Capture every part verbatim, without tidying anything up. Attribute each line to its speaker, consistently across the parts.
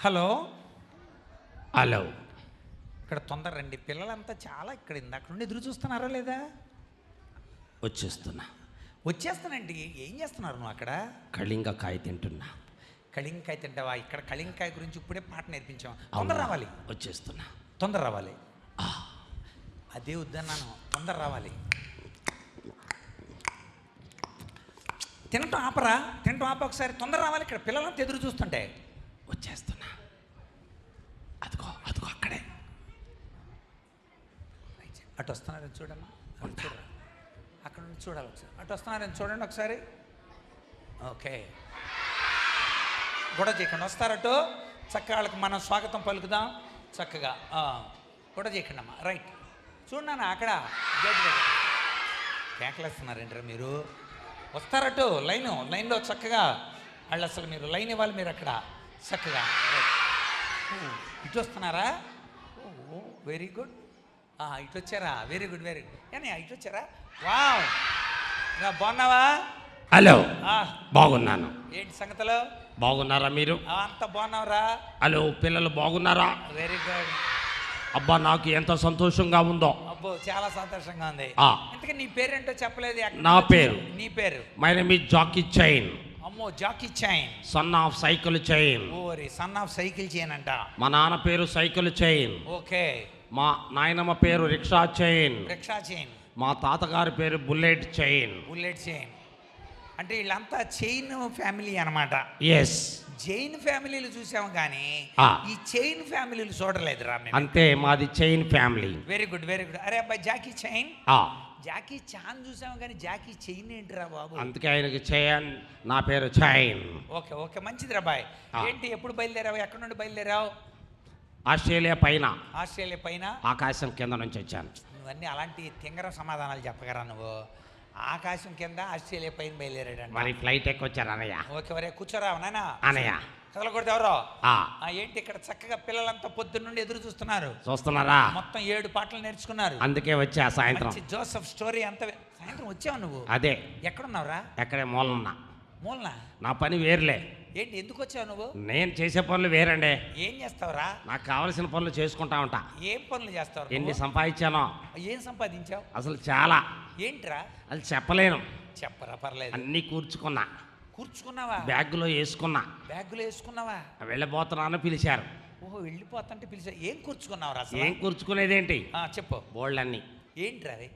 Speaker 1: Hello
Speaker 2: hello.
Speaker 1: ఇక్కడ తొందర రండి, పిల్లలంతా చాలా ఇక్కడ ఇందాక నుండి ఎదురు చూస్తున్నారా లేదా?
Speaker 2: వచ్చేస్తున్నా.
Speaker 1: వచ్చేస్తానండి. ఏం చేస్తున్నారు నువ్వు అక్కడ?
Speaker 2: కళింగకాయ తింటున్నా.
Speaker 1: కళింకాయ తింటావా? ఇక్కడ కళింకాయ గురించి ఇప్పుడే పాట నేర్పించాం. తొందర రావాలి.
Speaker 2: వచ్చేస్తున్నా.
Speaker 1: తొందర రావాలి. అదే వద్దన్నాను, తొందర రావాలి. తినటం ఆపరా, తినటం ఆప ఒకసారి. తొందర రావాలి. ఇక్కడ పిల్లలంతా ఎదురు చూస్తుంటే.
Speaker 2: వచ్చేస్తున్నా. అదిగో అదిగో అక్కడే.
Speaker 1: అటు వస్తున్నారని చూడమ్మా. చూడరా, అక్కడ నుంచి చూడాలి ఒకసారి. అటు వస్తున్నారని చూడండి ఒకసారి. ఓకే, గొడవ చేయకండి. వస్తారటు చక్కగా వాళ్ళకి మనం స్వాగతం పలుకుదాం చక్కగా. గొడవ చేయకండి అమ్మా. రైట్, చూడన్నా అక్కడ గేట్ దగ్గర కేకలేస్తున్నారంటారా మీరు? వస్తారటు లైను లైన్లో చక్కగా వాళ్ళు. అసలు మీరు లైన్ ఇవ్వాలి. మీరు అక్కడ చక్కగా ఇటు వస్తున్నారా? Oh very good. ఇటు వచ్చారా? Very good very good. కానీ ఇటు వచ్చారా? వావ్, బాగున్నావా?
Speaker 2: హలో, బాగున్నాను.
Speaker 1: ఏంటి సంగతులు?
Speaker 2: బాగున్నారా మీరు?
Speaker 1: అంత బాగున్నావురా?
Speaker 2: హలో, పిల్లలు బాగున్నారా?
Speaker 1: Very good.
Speaker 2: అబ్బా, నాకు ఎంత సంతోషంగా ఉందో.
Speaker 1: అబ్బో, చాలా సంతోషంగా ఉంది. ఇంతకీ నీ పేరేంటో చెప్పలేదు.
Speaker 2: నా పేరు?
Speaker 1: నీ పేరు?
Speaker 2: My name is Jackie Chan.
Speaker 1: అమ్మో, Jackie Chan.
Speaker 2: Son of cycle chain.
Speaker 1: ఓరి, సన్ ఆఫ్ సైకిల్ చైన్ అంట.
Speaker 2: మా నాన్న పేరు సైకిల్ చైన్.
Speaker 1: ఓకే.
Speaker 2: మా నాయనమ్మ పేరు రిక్షా చైన్.
Speaker 1: Rickshaw chain.
Speaker 2: మా తాతగారి పేరు బుల్లెట్ చైన్.
Speaker 1: బుల్లెట్ చైన్ అంటే వీళ్ళంతా చైన్ ఫ్యామిలీ అనమాట.
Speaker 2: ఎస్,
Speaker 1: జైన్ ఫ్యామిలీలు చూసాము కానీ ఈ చైన్ ఫ్యామిలీలు చూడలేదు రా.
Speaker 2: అంతే, మాది chain family.
Speaker 1: Very good very good. అరే అబ్బాయి, జాకీ చైన్. జాకీ చాన్ చూసాము కానీ జాకీ చైన్ ఏంటిరా బాబు?
Speaker 2: అందుకే ఆయనకి చైన్, నా పేరు చైన్.
Speaker 1: ఓకే ఓకే, మంచిది రా బాయ్. ఏంటి, ఎప్పుడు బయలుదేరావు? ఎక్కడి నుండి బయలుదేరావు?
Speaker 2: ఆస్ట్రేలియా పైన.
Speaker 1: ఆస్ట్రేలియా పైన?
Speaker 2: ఆకాశం కింద నుంచి వచ్చాను.
Speaker 1: నువ్వన్నీ అలాంటి తింగర సమాధానాలు చెప్పగరా నువ్వు? ఆకాశం కింద ఆస్ట్రేలియా పైన బయలుదేరాడు.
Speaker 2: మరి ఫ్లైట్ ఎక్కొచ్చారు అన్నయ్య.
Speaker 1: ఓకే, వరే కూర్చోరా నాయనా.
Speaker 2: అన్నయ్య
Speaker 1: కదలకూడదు ఎవరో. ఏంటి ఇక్కడ చక్కగా పిల్లలంతా పొద్దున్న నుండి ఎదురు చూస్తున్నారు.
Speaker 2: చూస్తున్నారా?
Speaker 1: మొత్తం ఏడు పాటలు నేర్చుకున్నారు.
Speaker 2: అందుకే వచ్చా సాయంత్రం.
Speaker 1: జోసెఫ్ స్టోరీ అంత సాయంత్రం వచ్చావు నువ్వు?
Speaker 2: అదే.
Speaker 1: ఎక్కడున్నావురా?
Speaker 2: ఎక్కడే మూలన్నా.
Speaker 1: మూలనా?
Speaker 2: నా పని వేరులే.
Speaker 1: ఏంటి, ఎందుకు వచ్చావు నువ్వు?
Speaker 2: నేను చేసే పనులు వేరండి.
Speaker 1: ఏం చేస్తావురా?
Speaker 2: నాకు కావలసిన పనులు చేసుకుంటా ఉంటా.
Speaker 1: ఏం పనులు చేస్తావు?
Speaker 2: ఎన్ని సంపాదించానో.
Speaker 1: ఏం సంపాదించావు?
Speaker 2: అసలు చాలా.
Speaker 1: ఏంట్రా?
Speaker 2: అది చెప్పలేను.
Speaker 1: చెప్పరా, పర్లేదు.
Speaker 2: అన్ని కూర్చుకున్నా.
Speaker 1: కూర్చుకున్నావా?
Speaker 2: బ్యాగులో వేసుకున్నా.
Speaker 1: బ్యాగులో వేసుకున్నావా?
Speaker 2: వెళ్ళిపోతున్నాను పిలిచారు.
Speaker 1: ఓహో, వెళ్ళిపోతుంటే పిలిచారు. ఏం కూర్చుకున్నావురా?
Speaker 2: ఏం కూర్చుకునేదేంటి?
Speaker 1: చెప్పు.
Speaker 2: బోళ్ళన్నీ.
Speaker 1: ఏంట్రా అది?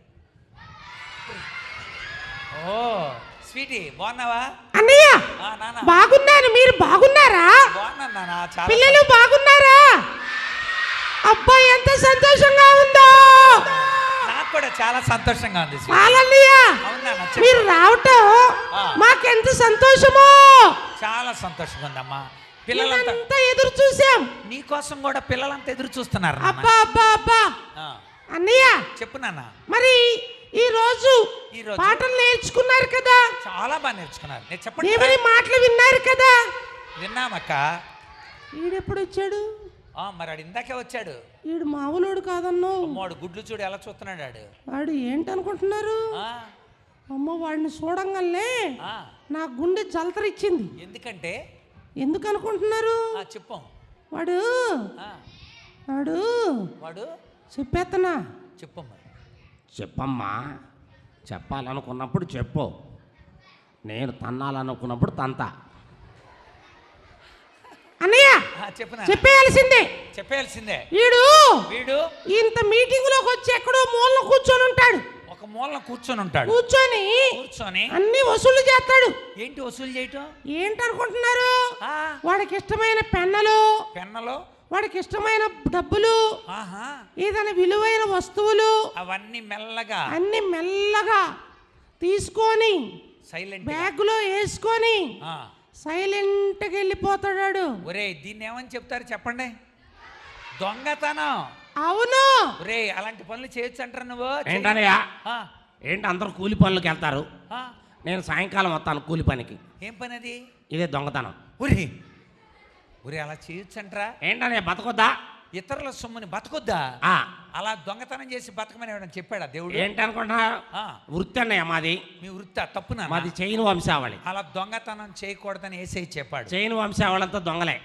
Speaker 1: ఓ స్వీటీ, బాగున్నావా?
Speaker 3: అన్నయ్య బాగున్నాను, మీరు బాగున్నారా?
Speaker 1: బాగున్నాను నాన్న. చాలా.
Speaker 3: పిల్లలు బాగున్నారా? అబ్బాయి ఎంత సంతోషంగా ఉందో.
Speaker 1: నాకు కూడా చాలా సంతోషంగా ఉంది.
Speaker 3: మీరు రావటం మాకెంత సంతోషమో.
Speaker 1: చాలా సంతోషంగా ఉందమ్మా. పిల్లలంతా
Speaker 3: ఎదురు చూసాం.
Speaker 1: నీకోసం కూడా పిల్లలంతా ఎదురు చూస్తున్నారు.
Speaker 3: అబ్బా అబ్బా అబ్బా. అన్నయ్య
Speaker 1: చెప్పు నాన్న.
Speaker 3: మరి ఈ రోజు పాటలు నేర్చుకున్నారు కదా?
Speaker 1: చాలా బాగా నేర్చుకున్నారు. నేను చెప్పండి,
Speaker 3: దేవుని మాటలు విన్నారు కదా?
Speaker 1: విన్నామక్క.
Speaker 3: ఈడెప్పుడు వచ్చాడు?
Speaker 1: మరి ఆడు ఇందాకే వచ్చాడు.
Speaker 3: ఈడు మామూలుడు కాదన్నో.
Speaker 1: వాడు గుడ్లు చూడు ఎలా చూస్తున్నాడు. ఆడు
Speaker 3: వాడు ఏంటనుకుంటున్నారు? అమ్మ, వాడిని చూడంగానే నా గుండె జలతరిచ్చింది.
Speaker 1: ఎందుకంటే?
Speaker 3: ఎందుకు అనుకుంటున్నారు?
Speaker 1: చెప్పు.
Speaker 3: వాడు వాడు
Speaker 1: వాడు
Speaker 3: చెప్పేత్తనా?
Speaker 1: చెప్పమ్మా.
Speaker 2: చెప్పమ్మా. చెప్పాలనుకున్నప్పుడు చెప్పు. నేను తన్నాలనుకున్నప్పుడు తంతా.
Speaker 3: అన్నయ్య చెప్పేయాల్సిందే.
Speaker 1: చెప్పేయాల్సిందే.
Speaker 3: వీడు
Speaker 1: వీడు
Speaker 3: ఇంత మీటింగ్ లోకి వచ్చి ఎక్కడో మూలన కూర్చొని ఉంటాడు.
Speaker 1: ఒక మూలన కూర్చొని ఉంటాడు.
Speaker 3: కూర్చొని
Speaker 1: కూర్చొని
Speaker 3: అన్ని వసూలు చేస్తాడు.
Speaker 1: ఏంటి వసూలు చేయటం?
Speaker 3: ఏంటనుకుంటున్నారు? వాడికి ఇష్టమైన పెన్నలు,
Speaker 1: పెన్నలు
Speaker 3: వాడికి ఇష్టమైన డబ్బులు, ఏదైనా విలువైన వస్తువులు అవన్నీ మెల్లగా అన్ని మెల్లగా తీసుకొని సైలెంట్ బ్యాగ్ లో వేసుకొని సైలెంట్ గా వెళ్ళిపోతాడు.
Speaker 1: ఒరే, దీన్ని ఏమని చెప్తారు చెప్పండి? దొంగతనం.
Speaker 3: అవును.
Speaker 1: ఒరే, అలాంటి పనులు చేయొచ్చు అంటారు నువ్వు?
Speaker 2: ఏంటనయ్యా? ఏంటి అందరూ కూలి పనులకు వెళ్తారు, నేను సాయంకాలం వస్తాను కూలి పనికి.
Speaker 1: ఏం పని అది?
Speaker 2: ఇదే దొంగతనం.
Speaker 1: ఒరే ఒరే అలా చేయొచ్చంట్రా?
Speaker 2: ఏంటనే బతకొద్దా?
Speaker 1: ఇతరుల సొమ్ముని బతకొద్దా? అలా దొంగతనం చేసి బతకమని ఎవరైనా చెప్పాడా దేవుడు?
Speaker 2: ఏంటనుకుంటున్నారు? వృత్తి అన్నయ్య మాది.
Speaker 1: మీ వృత్తి తప్పునా?
Speaker 2: మాది చైన్ వంశావళి.
Speaker 1: అలా దొంగతనం చేయకూడదని యేసయ్య చెప్పాడు.
Speaker 2: చైన్ వంశావళి అంతా దొంగలే.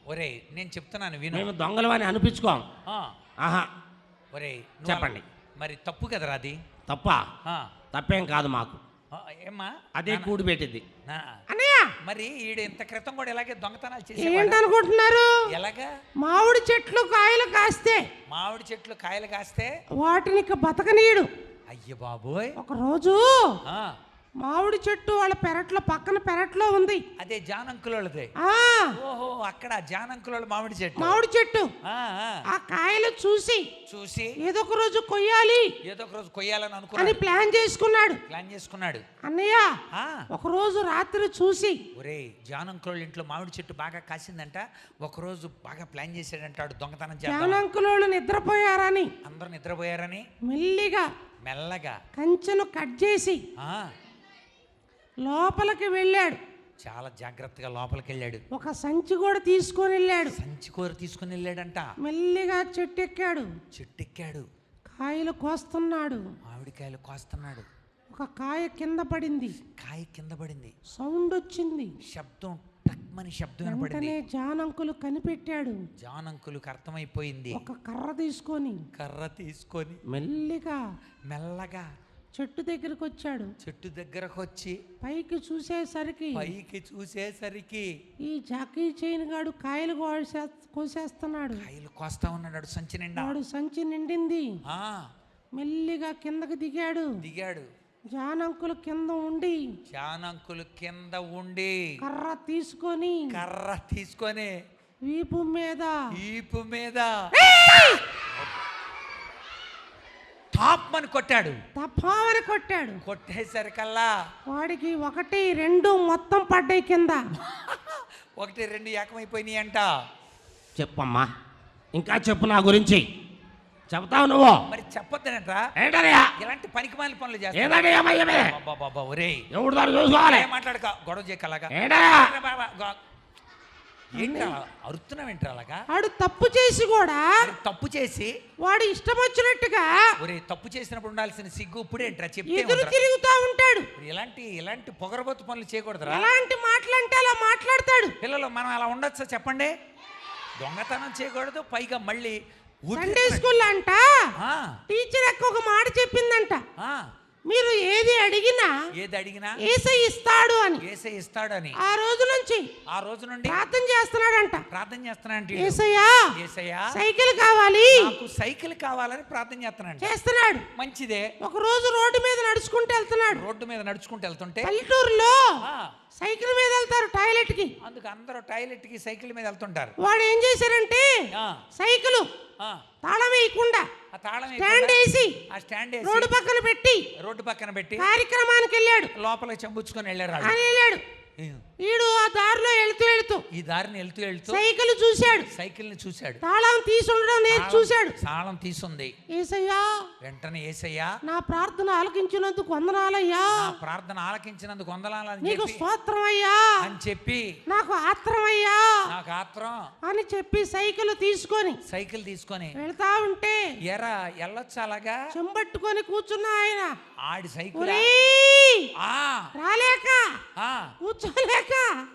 Speaker 1: ఒరేయ్ నేను చెప్తున్నాను విను.
Speaker 2: మేము దొంగలు అని అనిపించుకోం.
Speaker 1: ఆ,
Speaker 2: ఆహా
Speaker 1: ఒరేయ్ నువ్వు
Speaker 2: చెప్పండి.
Speaker 1: అలా- మరి తప్పు కదరా అది.
Speaker 2: తప్ప
Speaker 1: ఆ,
Speaker 2: తప్పేం కాదు మాకు.
Speaker 1: ఆ, ఏమ్మా
Speaker 2: అదే కూడి పెట్టింది.
Speaker 1: నా-
Speaker 3: అన్నయ్య
Speaker 1: మరి ఈడు ఇంత క్రితం కూడా ఇలాగే దొంగతనాలు చేసేవాడు.
Speaker 3: ఏంటనుకుంటున్నారు?
Speaker 1: ఎలాగా?
Speaker 3: మామిడి చెట్లు కాయలు కాస్తే
Speaker 1: మామిడి చెట్లు కాయలు కాస్తే
Speaker 3: వాటిని ఇక బతకనీయుడు.
Speaker 1: అయ్య బాబోయ్.
Speaker 3: ఒక రోజు
Speaker 1: ఆ,
Speaker 3: మామిడి చెట్టు వాళ్ళ పెరట్లో పక్కన పెరట్లో ఉంది.
Speaker 1: అదే జానంకులది.
Speaker 3: ఆ
Speaker 1: ఓహో, అక్కడ జానంకుల మామిడి చెట్టు.
Speaker 3: మామిడి చెట్టు
Speaker 1: ఆ, ఆ.
Speaker 3: ఆ కాయలు చూసి
Speaker 1: చూసి
Speaker 3: ఏదో ఒక రోజు కొయ్యాలి
Speaker 1: ఏదో ఒక రోజు కొయ్యాలని
Speaker 3: అని
Speaker 1: అనుకున్నాడు.
Speaker 3: ప్లాన్ చేసుకున్నాడు.
Speaker 1: ప్లాన్ చేసుకున్నాడు.
Speaker 3: అన్నయ్య
Speaker 1: ఆ,
Speaker 3: ఒక రోజు రాత్రి చూసి
Speaker 1: ఒరేయ్ జానంకుల ఇంట్లో మామిడి చెట్టు బాగా కాసిందంట. ఒక రోజు బాగా ప్లాన్ చేశాడంటాడు దొంగతనం చేద్దాం.
Speaker 3: జానంకులోళ్ళు నిద్రపోయారని
Speaker 1: అందరూ నిద్రపోయారని
Speaker 3: మెల్లిగా
Speaker 1: మెల్లగా
Speaker 3: కంచెను కట్ చేసి
Speaker 1: ఆ
Speaker 3: లోపలికి వెళ్ళాడు.
Speaker 1: చాలా జాగ్రత్తగా లోపలికి వెళ్ళాడు.
Speaker 3: ఒక సంచి కూడా తీసుకొని వెళ్ళాడు.
Speaker 1: సంచి కూర తీసుకుని వెళ్ళాడంట.
Speaker 3: మెల్లిగా చెట్టు ఎక్కాడు.
Speaker 1: చెట్టు ఎక్కాడు.
Speaker 3: కాయలు కోస్తున్నాడు.
Speaker 1: మామిడికాయలు కోస్తున్నాడు.
Speaker 3: ఒక కాయ కింద పడింది.
Speaker 1: కాయ కింద పడింది.
Speaker 3: సౌండ్ వచ్చింది.
Speaker 1: శబ్దం టక్మని శబ్దం వినపడింది.
Speaker 3: వెంటనే జానంకులు కనిపెట్టాడు.
Speaker 1: జానంకులకు అర్థమైపోయింది.
Speaker 3: ఒక కర్ర తీసుకొని
Speaker 1: కర్ర తీసుకొని
Speaker 3: మెల్లిగా
Speaker 1: మెల్లగా
Speaker 3: చెట్టు దగ్గరికి వచ్చాడు.
Speaker 1: చెట్టు దగ్గరకు వచ్చి
Speaker 3: పైకి చూసేసరికి
Speaker 1: పైకి చూసేసరికి
Speaker 3: ఈ జాకీ చైన్ గాడు కాయలు కోసే కోసేస్తున్నాడు.
Speaker 1: కాయలు కోస్తా ఉన్నాడు సంచి నిండా.
Speaker 3: వాడు సంచి నిండింది.
Speaker 1: ఆ
Speaker 3: మెల్లిగా కిందకి దిగాడు.
Speaker 1: దిగాడు.
Speaker 3: జానంకులు కింద ఉండి
Speaker 1: జానంకులు కింద ఉండి
Speaker 3: కర్ర తీసుకొని
Speaker 1: కర్ర తీసుకొని
Speaker 3: వీపు మీద
Speaker 1: ఈపు మీద టాప్ అని కొట్టాడు.
Speaker 3: తప్పావని కొట్టాడు.
Speaker 1: కొట్టేసరికల్లా
Speaker 3: వాడికి ఒకటి రెండు మొత్తం పడ్డాయి కింద.
Speaker 1: ఒకటి రెండు ఏకమైపోయినాయి అంట.
Speaker 2: చెప్పమ్మా, ఇంకా చెప్పు నా గురించి. చెప్తావు నువ్వు.
Speaker 1: మరి చెప్పొద్దనంట్రా.
Speaker 2: ఏంటనయ్యా
Speaker 1: ఇలాంటి పనికిమాలిన పనులు చేస్తా.
Speaker 2: ఏదంటే ఏమయ్యమే
Speaker 1: బాబా ఒరే
Speaker 2: ఎవడు దాన్ని చూసుకోవాలి.
Speaker 1: మాట్లాడక గొడవ చేయకలాగా.
Speaker 2: ఏంటనయ్యా
Speaker 1: ఏంట్రా అరుతున్నావు ఏంట్రా అలాగా?
Speaker 3: వాడు తప్పు చేసి కూడా
Speaker 1: మరి తప్పు చేసి
Speaker 3: వాడు ఇష్టం వచ్చినట్టుగా
Speaker 1: ఒరే తప్పు చేసినప్పుడు ఉండాల్సిన సిగ్గు ఇప్పుడేంట్రా చెప్తే
Speaker 3: ఎదురు
Speaker 1: ఉందిరా.
Speaker 3: తిరుగుతా ఉంటాడు.
Speaker 1: ఇలాంటి ఇలాంటి పొగరబోతు పనులు చేయకూడదురా.
Speaker 3: ఎలాంటి మాటలంటే అలా మాట్లాడతాడు.
Speaker 1: పిల్లలు మనం అలా ఉండొచ్చా చెప్పండి? దొంగతనం చేయకూడదు. పైగా మళ్ళీ ఊరికి-
Speaker 3: సండే స్కూల్ అంట
Speaker 1: ఆ,
Speaker 3: టీచర్ అక్క ఒక మాట చెప్పిందంట.
Speaker 1: ఆ,
Speaker 3: మీరు ఏది అడిగినా
Speaker 1: ఏది అడిగినా
Speaker 3: ఏసై ఇస్తాడు అని.
Speaker 1: ఏసై ఇస్తాడని
Speaker 3: ఆ రోజు నుంచి
Speaker 1: ఆ రోజు నుండి
Speaker 3: ప్రార్థన చేస్తున్నాడంట.
Speaker 1: ప్రార్థన చేస్తున్నానంటే
Speaker 3: ఏసయ్యా
Speaker 1: ఏసయ్యా
Speaker 3: సైకిల్ కావాలి
Speaker 1: నాకు సైకిల్ కావాలని ప్రార్థన చేస్తున్నాను.
Speaker 3: చేస్తున్నాడు.
Speaker 1: మంచిదే.
Speaker 3: ఒక రోజు రోడ్డు మీద నడుచుకుంటూ వెళ్తున్నాడు.
Speaker 1: రోడ్డు మీద నడుచుకుంటూ వెళ్తుంటే
Speaker 3: పల్లెటూరులో
Speaker 1: ఆ,
Speaker 3: సైకిల్ మీద వెళ్తారు టాయిలెట్ కి.
Speaker 1: అందుకు అందరూ టాయిలెట్ కి సైకిల్ మీద వెళ్తుంటారు.
Speaker 3: వాడు ఏం చేశారంటే
Speaker 1: ఆ,
Speaker 3: సైకిల్
Speaker 1: ఆ,
Speaker 3: తాళం వేయకుండా
Speaker 1: ఆ తాళం
Speaker 3: స్టాండ్
Speaker 1: వేయకుండా
Speaker 3: వేసి
Speaker 1: ఆ స్టాండ్ వేసి
Speaker 3: రోడ్డు పక్కన పెట్టి
Speaker 1: రోడ్డు పక్కన పెట్టి
Speaker 3: కార్యక్రమానికి వెళ్ళాడు.
Speaker 1: లోపలికి చంపుచ్చుకొని వెళ్ళారు వాళ్ళు.
Speaker 3: అని వెళ్ళాడు. ఈడు ఆ దారిలో వెళ్తూ వెళ్తూ
Speaker 1: ఈ దారిని వెళ్తూ వెళ్తూ
Speaker 3: సైకిల్ చూశాడు.
Speaker 1: సైకిల్ ని చూశాడు.
Speaker 3: తాళం తీసి ఉండడం నేను చూశాడు.
Speaker 1: తాళం తీసుంది.
Speaker 3: ఏసయ్యా
Speaker 1: వెంటనే ఏసయ్యా
Speaker 3: నా ప్రార్థన ఆలకించినందుకు వందనాలయ్యా.
Speaker 1: నా ప్రార్థన ఆలకించినందుకు వందనాలని
Speaker 3: నీకు
Speaker 1: చెప్పి
Speaker 3: స్తోత్రం అయ్యా.
Speaker 1: అని చెప్పి
Speaker 3: నాకు ఆత్రం అయ్యా
Speaker 1: నాకు ఆత్రం
Speaker 3: అని చెప్పి సైకిల్ తీసుకొని
Speaker 1: సైకిల్ తీసుకొని
Speaker 3: వెళ్తా ఉంటే
Speaker 1: ఎరా వెళ్ళొచ్చు అలాగా
Speaker 3: చెంబట్టుకొని కూర్చున్న ఆయన
Speaker 1: ఆడి సైకిల్
Speaker 3: ఒరేయ్,
Speaker 1: ఆ
Speaker 3: రాలేక
Speaker 1: ఆ
Speaker 3: కూర్చోలేక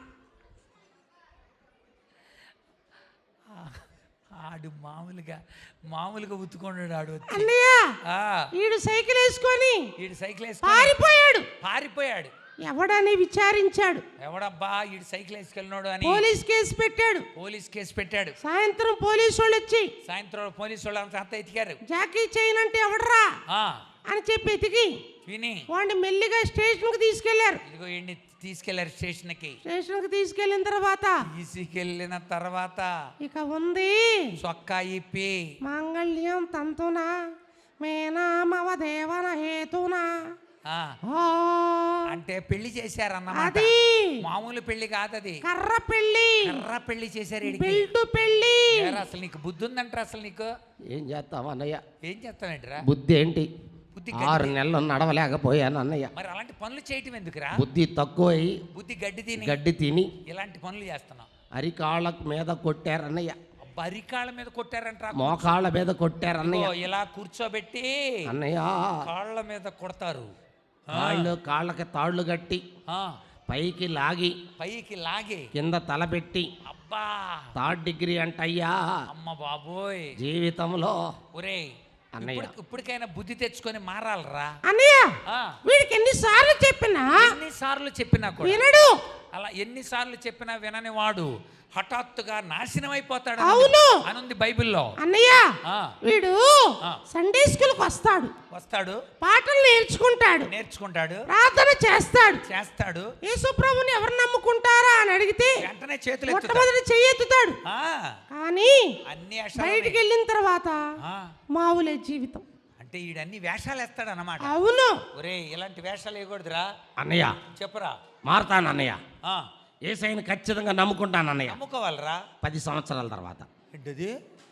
Speaker 1: ఆడు మామూలుగా మామూలుగా ఉత్తుకున్నాడు ఆడు వచ్చి.
Speaker 3: అన్నయ్య
Speaker 1: ఆ
Speaker 3: ఈడు సైకిల్ వేసుకొని
Speaker 1: ఈడు సైకిల్ వేసుకొని
Speaker 3: పారిపోయాడు.
Speaker 1: పారిపోయాడు.
Speaker 3: ఎవడని విచారించాడు.
Speaker 1: ఎవడబ్బా ఈడు సైకిల్ వేసుకెళ్ళినాడు అని
Speaker 3: పోలీస్ కేసు పెట్టాడు.
Speaker 1: పోలీస్ కేసు పెట్టాడు.
Speaker 3: సాయంత్రం పోలీసు వాళ్ళు వచ్చి
Speaker 1: సాయంత్రం పోలీసు వాళ్ళు అంతా అంతా ఎతికారు.
Speaker 3: జాకీ చైన్ అంటే ఎవడరా
Speaker 1: ఆ
Speaker 3: అని చెప్పి ఎతికి
Speaker 1: విని
Speaker 3: వాడిని మెల్లిగా స్టేషన్ కి తీసుకెళ్లారు.
Speaker 1: ఇదిగో ఈయన్ని తీసుకెళ్లారు స్టేషన్కి.
Speaker 3: స్టేషన్ కి తీసుకెళ్లిన తర్వాత
Speaker 1: తీసుకెళ్ళిన తర్వాత
Speaker 3: ఇక ఉంది
Speaker 1: చొక్కా ఇప్పి
Speaker 3: మాంగళ్యం తంతునా మేనా మవ దేవన హేతునా
Speaker 1: ఆ,
Speaker 3: ఆ,
Speaker 1: అంటే పెళ్లి చేశారన్నమాట.
Speaker 3: అది
Speaker 1: మామూలు పెళ్లి కాదది.
Speaker 3: కర్ర పెళ్లి
Speaker 1: కర్ర పెళ్లి చేశారు ఈడికి.
Speaker 3: బెల్ట్ పెళ్లి.
Speaker 1: ఏరా, అసలు నీకు బుద్ధి ఉందంటారా? అసలు నీకు
Speaker 2: ఏం చేస్తావు అన్నయ్య?
Speaker 1: ఏం చేస్తావేంట్రా?
Speaker 2: బుద్ధి ఏంటి?
Speaker 1: బుద్ధి
Speaker 2: ఆరు
Speaker 1: గడ్డి.
Speaker 2: నెలలు నడవలేకపోయాను అన్నయ్య.
Speaker 1: మరి అలాంటి పనులు చేయటం ఎందుకురా?
Speaker 2: బుద్ధి తక్కువై
Speaker 1: బుద్ధి గడ్డి తిని
Speaker 2: గడ్డి తిని
Speaker 1: ఇలాంటి పనులు చేస్తున్నావు.
Speaker 2: అరికాళ్ళ మీద కొట్టారన్నయ్య.
Speaker 1: బరికాళ్ళ మీద కొట్టారంటారా?
Speaker 2: మోకాళ్ళ మీద కొట్టారన్నయ్య.
Speaker 1: ఇదిగో ఇలా కూర్చోబెట్టి
Speaker 2: అన్నయ్య
Speaker 1: కాళ్ళ మీద కొడతారు. ఆ,
Speaker 2: కాళ్ళు కాళ్ళకి తాళ్ళు కట్టి
Speaker 1: ఆ,
Speaker 2: పైకి లాగి
Speaker 1: పైకి లాగి
Speaker 2: కింద తలపెట్టి
Speaker 1: అబ్బా
Speaker 2: థర్డ్ డిగ్రీ అంటయ్యా
Speaker 1: అమ్మ బాబోయ్
Speaker 2: జీవితంలో
Speaker 1: ఒరే
Speaker 2: అన్నయ్య.
Speaker 1: ఇప్పుడు- ఇప్పటికైనా బుద్ధి తెచ్చుకొని మారాలరా
Speaker 3: అన్నయ్య
Speaker 1: ఆ,
Speaker 3: వీడికి ఎన్నిసార్లు చెప్పినా
Speaker 1: ఎన్నిసార్లు చెప్పినా కూడా
Speaker 3: వినడు.
Speaker 1: అలా ఎన్నిసార్లు చెప్పినా వినని వాడు హఠాత్తుగా నాశనం అయిపోతాడు
Speaker 3: అవును.
Speaker 1: అనుంది బైబిల్లో.
Speaker 3: అన్నయ్య
Speaker 1: ఆ,
Speaker 3: వీడు
Speaker 1: ఆ.
Speaker 3: సండే స్కూల్కి వస్తాడు,
Speaker 1: వస్తాడు,
Speaker 3: పాటలు నేర్చుకుంటాడు,
Speaker 1: నేర్చుకుంటాడు,
Speaker 3: ప్రార్థన చేస్తాడు.
Speaker 1: చేస్తాడు,
Speaker 3: యేసుప్రభుని ఎవరు నమ్ముకుంటారా అని అడిగితే
Speaker 1: వెంటనే చేతులు ఎత్తుతాడు.
Speaker 3: మొట్టమొదటి చెయ్యెత్తుతాడు.
Speaker 1: ఆ,
Speaker 3: కానీ
Speaker 1: అన్ని వేషాలు
Speaker 3: బయటికి వెళ్ళిన తర్వాత
Speaker 1: ఆ,
Speaker 3: మావులే జీవితం.
Speaker 1: అంటే ఈడన్ని వేషాలు వేస్తాడు అన్నమాట.
Speaker 3: అవును.
Speaker 1: ఒరే ఇలాంటి వేషాలు వేయకూడదురా.
Speaker 2: అన్నయ్య
Speaker 1: చెప్పురా.
Speaker 2: మారుతాను అన్నయ్య.
Speaker 1: ఆ,
Speaker 2: ఏసైని ఖచ్చితంగా నమ్ముకుంటాను అన్నయ్య.
Speaker 1: నమ్ముకోవాలరా.
Speaker 2: పది సంవత్సరాల తర్వాత.
Speaker 1: ఏంటది?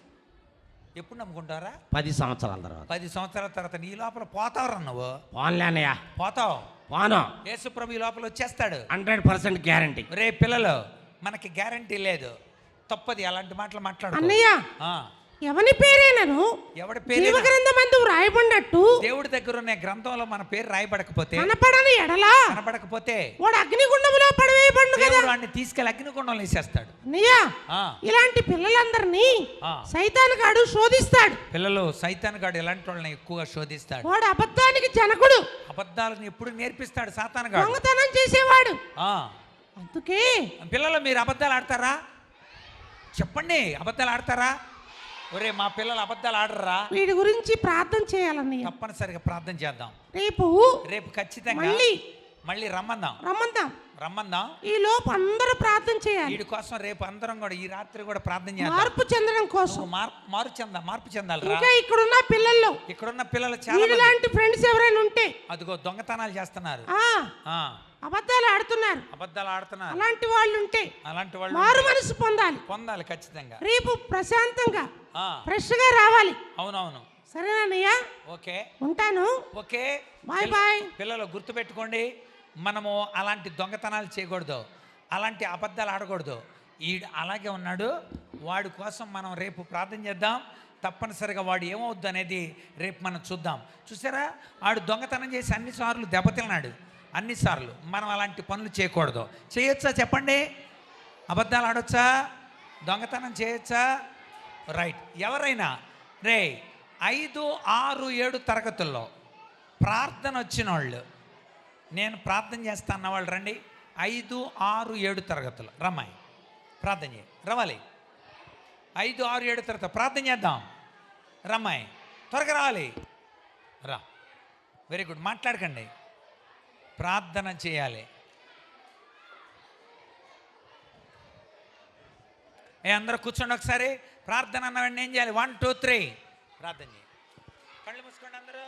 Speaker 1: ఎప్పుడు నమ్ముకుంటారా?
Speaker 2: పది సంవత్సరాల తర్వాత.
Speaker 1: పది సంవత్సరాల తర్వాత నీ లోపల పోతావురా నువ్వు.
Speaker 2: పోన్లే అన్నయ్య,
Speaker 1: పోతావు.
Speaker 2: పోను.
Speaker 1: యేసుప్రభు ఈ లోపల వచ్చేస్తాడు.
Speaker 2: Hundred percent guarantee.
Speaker 1: రే పిల్లలు, మనకి గ్యారంటీ లేదు. తప్పది అలాంటి మాటలు మాట్లాడు.
Speaker 3: అన్నయ్య ఎవని పేరేనను
Speaker 1: ఎవడి పేరు
Speaker 3: జీవగ్రంథమందు వ్రాయబడినట్టు
Speaker 1: దేవుడి దగ్గర ఉన్న గ్రంథంలో మన పేరు రాయబడకపోతే,
Speaker 3: కనపడని ఎడలా
Speaker 1: కనబడకపోతే
Speaker 3: వాడు అగ్నిగుండంలో పడివేయబడును కదా.
Speaker 1: దేవుడు వాడిని తీసుకెళ్ళి అగ్నిగుండంలో వేసేస్తాడు.
Speaker 3: అన్నయ్య
Speaker 1: ఆ,
Speaker 3: ఇలాంటి పిల్లలందరినీ
Speaker 1: ఆ.
Speaker 3: సైతాను గాడు శోధిస్తాడు.
Speaker 1: పిల్లలు సైతాన్ గాడు ఎలాంటి వాళ్ళని ఎక్కువగా శోధిస్తాడు.
Speaker 3: వాడు అబద్ధానికి జనకుడు,
Speaker 1: అబద్ధాలను ఎప్పుడు నేర్పిస్తాడు సాతాన్ గాడు.
Speaker 3: దొంగతనం చేసేవాడు.
Speaker 1: ఆ,
Speaker 3: అందుకే
Speaker 1: పిల్లలు మీరు అబద్ధాలు ఆడతారా? చెప్పండి, అబద్ధాలు ఆడతారా? ఒరే మా పిల్లలు అబద్ధాలు ఆడరా?
Speaker 3: వీడి గురించి ప్రార్థన చేయాలన్నయ్య.
Speaker 1: తప్పనిసరిగా ప్రార్థన చేద్దాం.
Speaker 3: రేపు
Speaker 1: రేపు ఖచ్చితంగా
Speaker 3: మళ్ళీ
Speaker 1: మళ్ళీ రమ్మందాం
Speaker 3: రమ్మందాం.
Speaker 1: రమ్మందాం
Speaker 3: ఈ లోపు అందరూ ప్రార్థన చేయాలి.
Speaker 1: వీడి కోసం రేపు అందరం కూడా ఈ రాత్రి కూడా ప్రార్థన చేద్దాం.
Speaker 3: మార్పు చెందడం కోసం.
Speaker 1: నువ్వు మార్- మారు చెందా మార్పు చెందాలరా.
Speaker 3: ఇంకా ఇక్కడున్న పిల్లల్లో
Speaker 1: ఇక్కడున్న పిల్లలు చాలా
Speaker 3: వీడి
Speaker 1: మంది
Speaker 3: లాంటి ఫ్రెండ్స్ ఎవరైనా ఉంటే
Speaker 1: అదిగో దొంగతనాలు చేస్తున్నారు.
Speaker 3: ఆ
Speaker 1: ఆ,
Speaker 3: అబద్ధాలు ఆడుతున్నారు.
Speaker 1: అబద్ధాలు ఆడుతున్నారు.
Speaker 3: అలాంటి వాళ్ళు ఉంటే
Speaker 1: అలాంటి వాళ్ళు
Speaker 3: మారు మనసు పొందాలి.
Speaker 1: పొందాలి ఖచ్చితంగా.
Speaker 3: రేపు ప్రశాంతంగా
Speaker 1: ఆ,
Speaker 3: ఫ్రెష్ గా రావాలి.
Speaker 1: అవునవును.
Speaker 3: సరేనన్నయ్య,
Speaker 1: ఓకే
Speaker 3: ఉంటాను.
Speaker 1: ఓకే.
Speaker 3: బాయ్
Speaker 1: పిల్ల-
Speaker 3: బాయ్.
Speaker 1: పిల్లలు గుర్తుపెట్టుకోండి, మనము అలాంటి దొంగతనాలు చేయకూడదు, అలాంటి అబద్ధాలు ఆడకూడదు. ఈ అలాగే ఉన్నాడు, వాడి కోసం మనం రేపు ప్రార్థన చేద్దాం. తప్పనిసరిగా వాడు ఏమవుద్దు అనేది రేపు మనం చూద్దాం. చూసారా, వాడు దొంగతనం చేసి అన్నిసార్లు దెబ్బతిన్నాడు. అన్నిసార్లు మనం అలాంటి పనులు చేయకూడదు. చేయొచ్చా చెప్పండి? అబద్ధాలు ఆడొచ్చా? దొంగతనం చేయొచ్చా? రైట్. ఎవరైనా రే ఐదు ఆరు ఏడు తరగతుల్లో ప్రార్థన వచ్చిన వాళ్ళు, నేను ప్రార్థన చేస్తా అన్న వాళ్ళు రండి. ఐదు ఆరు ఏడు తరగతులు రమ్మాయి ప్రార్థన చేయి. రవాలి. ఐదు ఆరు ఏడు తరగతి ప్రార్థన చేద్దాం. రమ్మాయి త్వరగా రావాలి. రా. Very good. మాట్లాడకండి, ప్రార్థన చేయాలి. ఏ అందరూ కూర్చోండి ఒకసారి. ప్రార్థన అన్నవాడిని ఏం చేయాలి? వన్ టూ త్రీ ప్రార్థన చేయి. కళ్ళు మూసుకోండి అందరూ.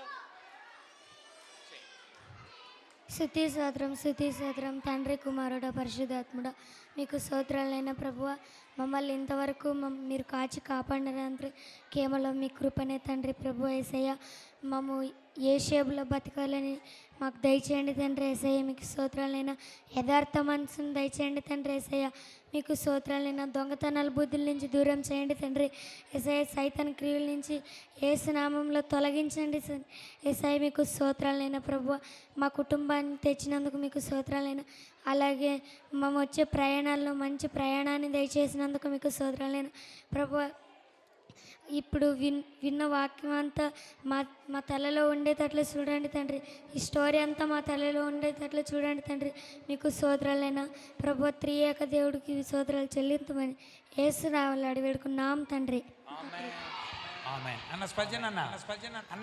Speaker 4: స్తుతి స్తోత్రం స్తుతి స్తోత్రం తండ్రి కుమారుడ పరిశుద్ధాత్ముడ మీకు స్తోత్రాలైన ప్రభువ, మమ్మల్ని ఇంతవరకు మమ్ మీరు కాచి కాపాడినంటే కేవలం మీ కృపనే తండ్రి. ప్రభు యేసయ్య, మమ్ము ఏ షేపులో బతకాలని మాకు దయచేయండి తండ్రి యేసయ్య. మీకు స్తోత్రాలైన యథార్థ మనసును దయచేయండి తండ్రి యేసయ్య. మీకు స్తోత్రాలైన దొంగతనాల బుద్ధుల నుంచి దూరం చేయండి తండ్రి యేసయ్య. సైతాన్ క్రియల నుంచి యేసు నామంలో తొలగించండి యేసయ్య. మీకు స్తోత్రాలైన ప్రభువ, మా కుటుంబాన్ని తెచ్చినందుకు మీకు స్తోత్రాలైన, అలాగే మేము వచ్చే ప్రయాణాల్లో మంచి ప్రయాణాన్ని దయచేసినందుకు మీకు స్తోత్రాలైన ప్రభువ. ఇప్పుడు విన్ విన్న వాక్యం అంతా మా మా తలలో ఉండేటట్లు చూడండి తండ్రి. ఈ స్టోరీ అంతా మా తలలో ఉండేటట్లు చూడండి తండ్రి. మీకు స్తోత్రాలైన ప్రభు, త్రియేక దేవుడికి స్తోత్రాలు చెల్లించమని యేసు నామములో అడిగి వేడుకున్నాం తండ్రి.
Speaker 1: ఆమేన్. ఆమేన్. అన్న స్పజన్ అన్న స్పజన్ అన్న